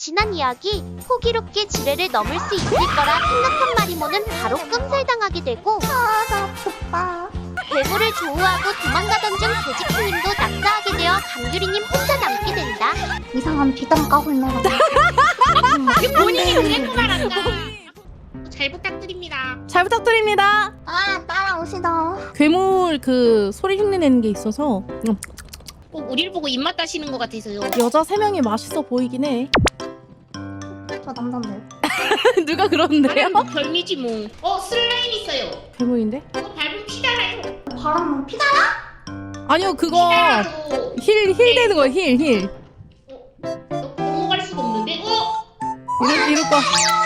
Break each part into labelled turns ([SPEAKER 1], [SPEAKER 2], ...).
[SPEAKER 1] 지난 이야기, 호기롭게 지뢰를 넘을 수 있을 거라 생각한 마리모는 바로 끔살당하게 되고
[SPEAKER 2] 나 덥다.
[SPEAKER 1] 괴물을 조우하고 도망가던 중 돼지킹님도 낙사하게 되어 감귤이님 혼자 남게 된다.
[SPEAKER 2] 이상한 비단 까불네라.
[SPEAKER 3] 본인이 그랬고 말한다. 잘 부탁드립니다.
[SPEAKER 4] 잘 부탁드립니다.
[SPEAKER 2] 아, 따라오시다.
[SPEAKER 4] 괴물 그 소리 흉내 내는 게 있어서
[SPEAKER 3] 꼭 우리를 보고 입맛 따시는 것 같아서요.
[SPEAKER 4] 여자 3명이 맛있어 보이긴 해.
[SPEAKER 2] 저 남잔데.
[SPEAKER 4] 누가 그러는데요?
[SPEAKER 3] 나는 뭐 별미지 뭐. 슬라임 있어요.
[SPEAKER 4] 괴물인데?
[SPEAKER 3] 그거 밟으면 피달아요.
[SPEAKER 2] 바람 피자?
[SPEAKER 4] 아니요 그거
[SPEAKER 3] 피달아도
[SPEAKER 4] 힐 되는 거야 힐.
[SPEAKER 3] 넘어갈 수가 없는데.
[SPEAKER 4] 이럴 거.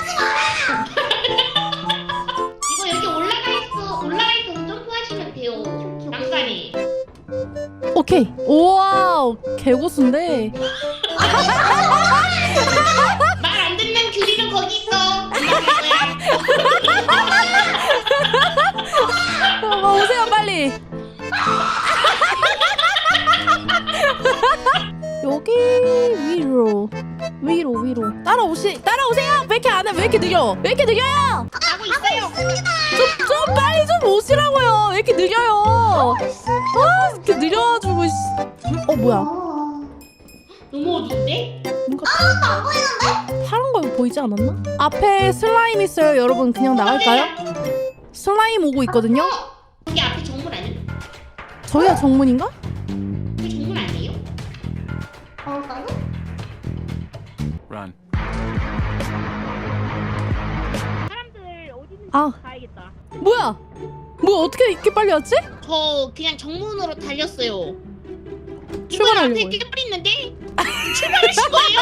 [SPEAKER 3] 이거 여기 올라가 있어 점프하시면 돼요. 난간이.
[SPEAKER 4] 오케이. 우와 개고수인데.
[SPEAKER 3] 말 안 듣는 규리는 거기 있어.
[SPEAKER 4] 오세요 빨리. 여기 위로 따라오세요. 왜 이렇게 안 해? 왜 이렇게 느려? 왜 이렇게 느려요?
[SPEAKER 3] 하고 있어요.
[SPEAKER 4] 좀 빨리 좀 오시라고요. 왜 이렇게 느려요? 이렇게 느려가지고 뭐야?
[SPEAKER 3] 너무 어두운데?
[SPEAKER 4] 뭔가 파란 거 보이지 않았나? 앞에 슬라임 있어요. 여러분 그냥 나갈까요? 슬라임 오고 있거든요.
[SPEAKER 3] 여기 앞에 정문 아니야?
[SPEAKER 4] 저희가 정문인가?
[SPEAKER 3] 여기 정문 아니에요?
[SPEAKER 2] 나요?
[SPEAKER 5] Run.
[SPEAKER 3] 사람들 어디 있는지
[SPEAKER 4] 아.
[SPEAKER 3] 가야겠다.
[SPEAKER 4] 뭐야 어떻게 이렇게 빨리 왔지?
[SPEAKER 3] 저 그냥 정문으로 달렸어요. 이거
[SPEAKER 4] 출발하려고
[SPEAKER 3] 앞에 깨물 있는데 출발하신 거예요?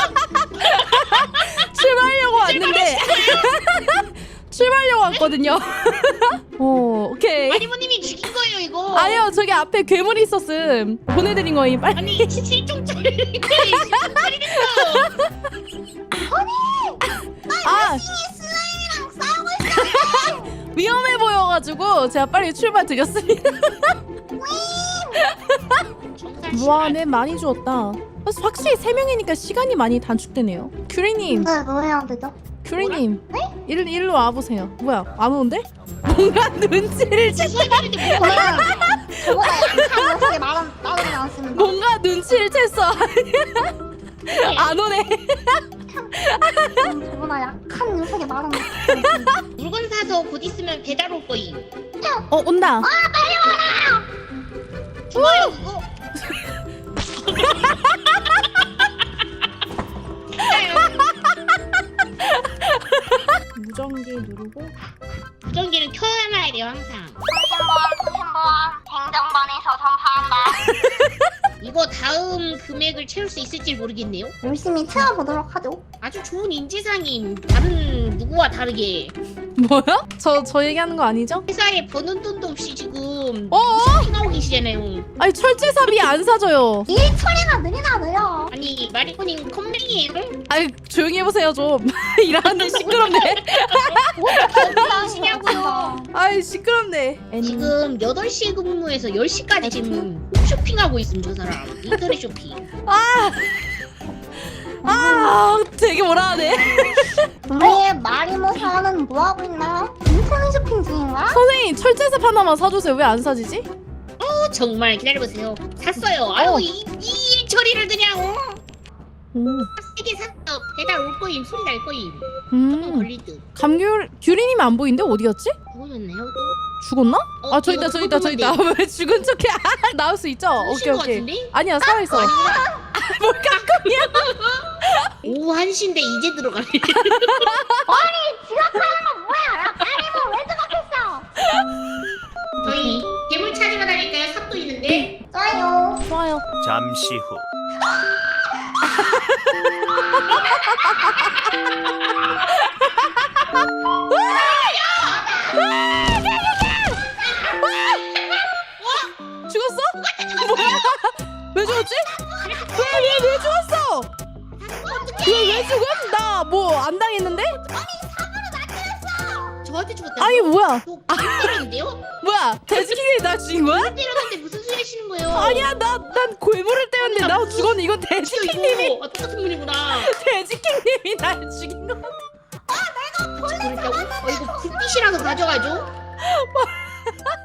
[SPEAKER 4] 출발하려고 왔는데 출발하려고 왔거든요. 오케이.
[SPEAKER 3] 마리모님이 죽인 거예요 이거.
[SPEAKER 4] 아니요 저기 앞에 괴물이 있었음. 보내드린 거임. 빨리.
[SPEAKER 3] 아니 실종짜리
[SPEAKER 4] 아 위험해 보여가지고 제가 빨리 출발 드렸습니다. 와, 네 많이 주었다. 그래서 확실히 3명이니까 시간이 많이 단축되네요. 큐리님,
[SPEAKER 2] 네, 뭐 해야 되죠?
[SPEAKER 4] 큐리님, 일로 와보세요. 뭐야, 안 오는데? 뭔가 눈치를 챘다.
[SPEAKER 2] 저보다 약한 녀석의 말은 따르지 않습니다.
[SPEAKER 4] 뭔가 눈치를 챘어. 안 오네.
[SPEAKER 2] 저보다 약한 녀석의 말은
[SPEAKER 3] 물건 사서 곧 있으면 배달 올 거임.
[SPEAKER 4] 온다.
[SPEAKER 3] 좋아요 이거.
[SPEAKER 4] 무전기 누르고.
[SPEAKER 3] 무전기는 켜놔야 돼요 항상.
[SPEAKER 2] 행정반에서 전파한다.
[SPEAKER 3] 이거 다음 금액을 채울 수 있을지 모르겠네요.
[SPEAKER 2] 열심히 채워보도록 하죠.
[SPEAKER 3] 아주 좋은 인지상임. 다른 누구와 다르게
[SPEAKER 4] 뭐야? 저 얘기하는 거 아니죠?
[SPEAKER 3] 회사에 버는 돈도 없이 지금
[SPEAKER 4] 어어?
[SPEAKER 3] 핑하고 계시잖아요.
[SPEAKER 4] 아니 철제삽이 안 사줘요.
[SPEAKER 2] 일 처리가 느리나 느려.
[SPEAKER 3] 아니 마리코님 컴맹이에요?
[SPEAKER 4] 아이 조용히 해보세요 좀. 일하는데 시끄럽네.
[SPEAKER 3] 하시냐고요.
[SPEAKER 4] 아이 시끄럽네.
[SPEAKER 3] 지금 8시 근무에서 10시까지 지금 쇼핑하고 있음 저 사람. 인터넷 쇼핑.
[SPEAKER 4] 되게 뭐라 하네.
[SPEAKER 2] 우리의 마리모 사원은 뭐하고 있나? 인터넷 쇼핑 중인가?
[SPEAKER 4] 선생님 철제삽 하나만 사주세요. 왜 안 사지지?
[SPEAKER 3] 정말 기다려보세요. 샀어요. 아유 이 처리를 그냥 세개 샀어. 배달 올 거임. 소리 날 거임. 조금 걸릴 듯.
[SPEAKER 4] 규리님이 안 보이는데 어디 갔지?
[SPEAKER 3] 죽으셨나요 또?
[SPEAKER 4] 죽었나? 저기
[SPEAKER 3] 이거
[SPEAKER 4] 있다. 저기 있다. 왜 죽은 척해? 나올 수 있죠?
[SPEAKER 3] 죽으신 것
[SPEAKER 4] 오케이.
[SPEAKER 3] 같은데?
[SPEAKER 4] 아니야 살아있어. 뭘 깜깜이야?
[SPEAKER 3] 오후 1시인데 이제 들어가네.
[SPEAKER 2] 지각하는 건 뭐야? 야, 마리모 왜 지각했어?
[SPEAKER 3] 저희 괴물 찾으러 다닐까요? 삽도 있는데.
[SPEAKER 4] 좋아요.
[SPEAKER 5] 잠시 후.
[SPEAKER 4] 죽었어? 뭐야? 왜 죽었지? 왜 죽었어? 왜 죽었어? 나 뭐 안 당했는데?
[SPEAKER 3] 저 저한테 죽었다.
[SPEAKER 4] 아니 뭐야?
[SPEAKER 3] 저 때렸는데요?
[SPEAKER 4] 뭐야? 돼지킹이 나 죽인 거야?
[SPEAKER 3] 때렸는데 무슨 소리 하시는 거예요?
[SPEAKER 4] 아니야 난 골무를 때렸는데 나 죽었는데 이건 돼지킹님이
[SPEAKER 3] 이거 똑같은 분이구나.
[SPEAKER 4] 돼지킹님이 날 죽인 거.
[SPEAKER 3] 그랬다고? 이거 불빛이라도 가져가죠.